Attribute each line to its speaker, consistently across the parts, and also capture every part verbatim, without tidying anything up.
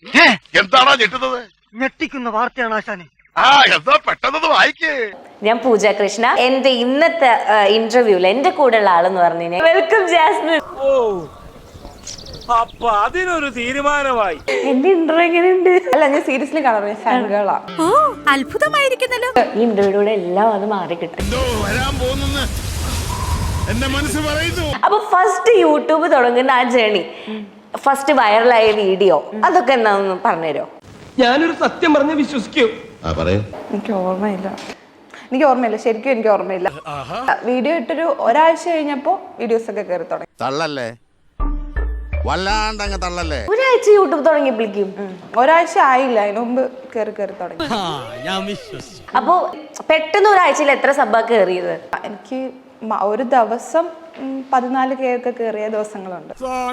Speaker 1: എന്താണോ ഞെട്ടുന്നത്?
Speaker 2: ഞെട്ടിക്കുന്ന വാർത്തയാണ് ആശാനെ.
Speaker 1: ആ എന്താ പെട്ടെന്ന് വായിക്കേ.
Speaker 3: ഞാൻ പൂജ കൃഷ്ണ. എന്റെ ഇന്നത്തെ ഇന്റർവ്യൂല് എന്റെ കൂടെ ഉള്ള ആളെന്ന് പറഞ്ഞു വെൽക്കം ജാസ്മിൻ.
Speaker 4: ഓ അപ്പൊ അതിനൊരു തീരുമാനമായി.
Speaker 3: എന്റെ ഇന്റർവ്യൂ എങ്ങനെയുണ്ട്?
Speaker 5: അല്ല, ഞാൻ സീരിയസ്ലി കാണാറ് ഫാൻ ഗേളാ.
Speaker 6: ഓ അത്ഭുതമായിരിക്കുന്നല്ലോ.
Speaker 3: ഈ ഇന്റർവ്യൂടെ എല്ലാം അത് മാറി കിട്ടും. അപ്പൊ ഫസ്റ്റ് യൂട്യൂബ് തുടങ്ങുന്ന ആ ജേണി, ഫസ്റ്റ് വൈറലായ വീഡിയോ, അതൊക്കെ എന്താണെന്ന് പറഞ്ഞുതരോ?
Speaker 7: ഞാനൊരു സത്യം പറഞ്ഞ് വിശ്വസിക്കൂ.
Speaker 5: എനിക്ക് ഓർമ്മയില്ല എനിക്ക് ഓർമ്മയില്ല ശരിക്കും എനിക്ക് ഓർമ്മയില്ല. വീഡിയോ ഇട്ടൊരു ഒരാഴ്ച കഴിഞ്ഞപ്പോ വീഡിയോസ് ഒക്കെ കയറി തുടങ്ങി.
Speaker 1: തള്ളല്ലേ, വല്ലാണ്ടങ്ങ് തള്ളല്ലേ.
Speaker 3: ഒരാഴ്ച യൂട്യൂബ് തുടങ്ങിയപ്പോഴേക്കും
Speaker 5: ഒരാഴ്ച ആയില്ല, അതിന് മുമ്പ് കയറി കയറി തുടങ്ങി.
Speaker 3: അപ്പൊ പെട്ടെന്ന് ഒരാഴ്ചയിൽ എത്ര സബ്ബാ കയറിയത്?
Speaker 5: എനിക്ക് മ- ഒരു ദിവസം ഉം, പതിനാല് കെ ഒക്കെ കയറിയ ദിവസങ്ങളുണ്ട്.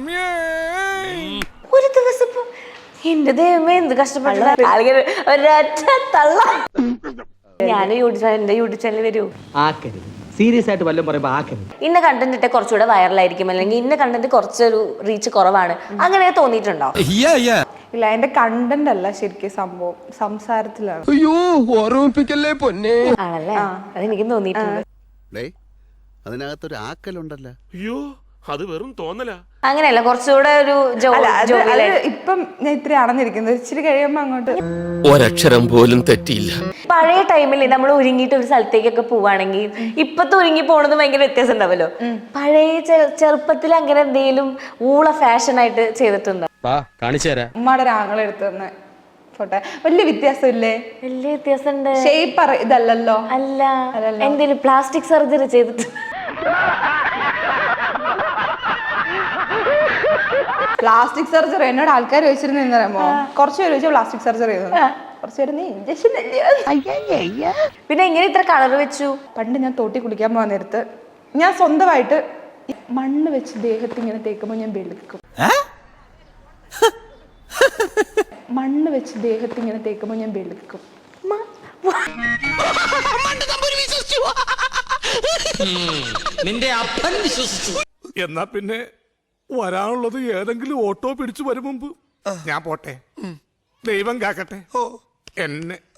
Speaker 3: ഒരു ദിവസം ഇപ്പൊ എന്റെ ദൈവമേ എന്ത് കഷ്ടപ്പെട്ട ആളുകൾ ഒരൊറ്റ തള്ള. ഞാൻ യൂട്യൂബ് എന്റെ യൂട്യൂബ് ചാനൽ വരൂ.
Speaker 7: ആക്കരുത്, സീരിയസ് ആയിട്ട് വല്ലതും പറയുമ്പോ ആക്കരുത്.
Speaker 3: ഇന്ന കണ്ടന്റ് ഇട്ട കുറച്ചുകൂടെ വൈറലായിരിക്കും, അല്ലെങ്കിൽ ഇന്ന കണ്ടന്റ് കുറച്ചൊരു റീച്ച് കുറവാണ്, അങ്ങനെ തോന്നിയിട്ടുണ്ടോ?
Speaker 5: ഇല്ല, എന്റെ കണ്ടന്റ് അല്ല ശരിക്കും സംഭവം, സംസാരത്തിലാണ്.
Speaker 7: അയ്യോ ഓർമ്മിപ്പിക്കല്ലേ പൊന്നെ.
Speaker 3: ആണല്ലേ? അതെനിക്ക് തോന്നിയിട്ടുണ്ട്.
Speaker 1: അതിനകത്തൊരു ആക്കലുണ്ടല്ലോ.
Speaker 4: അയ്യോ അത് വെറും തോന്നലാ.
Speaker 3: അങ്ങനെയല്ല, കുറച്ചുകൂടെ ഒരു ജോ-
Speaker 5: അല്ല, അത്
Speaker 3: ജോവിയൽ
Speaker 5: അത് ഇപ്പം ഞാൻ ഇത്ര ആണെന്നിരിക്കുന്നത്, ഇച്ചിരി കഴിയുമ്പോ അങ്ങോട്ട്
Speaker 8: ഒരക്ഷരം പോലും തെറ്റിയില്ല.
Speaker 3: പഴയ ടൈമിൽ നമ്മൾ ഒരുങ്ങിയിട്ട് ഒരു സ്ഥലത്തേക്കൊക്കെ പോവാണെങ്കിൽ ഇപ്പത്തെ ഒരുങ്ങി പോണത് ഭയങ്കര വ്യത്യാസം ഉണ്ടാവല്ലോ. പഴയ ചെ- ചെറുപ്പത്തിൽ അങ്ങനെ എന്തെങ്കിലും ഊള ഫാഷൻ ആയിട്ട് ചെയ്തിട്ടുണ്ടോ?
Speaker 8: കാണിച്ചു തരാം.
Speaker 5: ഉമ്മയുടെ ഒരാങ്ങളെ എടുത്തു തന്നെ ഫോട്ടോ. വലിയ വ്യത്യാസം ഇല്ലേ?
Speaker 3: വലിയ വ്യത്യാസം ഉണ്ട്.
Speaker 5: ഷേപ്പ് ഇതല്ലല്ലോ.
Speaker 3: അല്ല, എന്തെങ്കിലും പ്ലാസ്റ്റിക് സർജറി ചെയ്തിട്ട്?
Speaker 5: പ്ലാസ്റ്റിക് സർജറി എന്നോട് ആൾക്കാർ ചോദിച്ചിരുന്നു അറിയാമോ? കുറച്ച് പേര് ചോദിച്ചാൽ പ്ലാസ്റ്റിക് സർജറി ചെയ്തു, കുറച്ച് പേര് നീ ഇഞ്ചക്ഷൻ.
Speaker 3: പിന്നെ എങ്ങനെ ഇത്ര കളർ വെച്ചു?
Speaker 5: പണ്ട് ഞാൻ തോട്ടി കുളിക്കാൻ പോകാൻ നേരത്ത് ഞാൻ സ്വന്തമായിട്ട് ഈ മണ്ണ് വെച്ച് ദേഹത്ത് ഇങ്ങനെ തേക്കുമ്പോൾ ഞാൻ വെളുക്കും. മണ്ണ് വെച്ച് ദേഹത്ത് ഇങ്ങനെ തേക്കുമ്പോൾ ഞാൻ വെളുക്കും.
Speaker 8: നിന്റെ അപ്പൻ വിശ്വസിച്ചു.
Speaker 4: എന്നാ പിന്നെ വരാനുള്ളത് ഏതെങ്കിലും ഓട്ടോ പിടിച്ചു വരും മുമ്പ് ഞാൻ പോട്ടെ. ദൈവം കാക്കട്ടെ എന്നെ.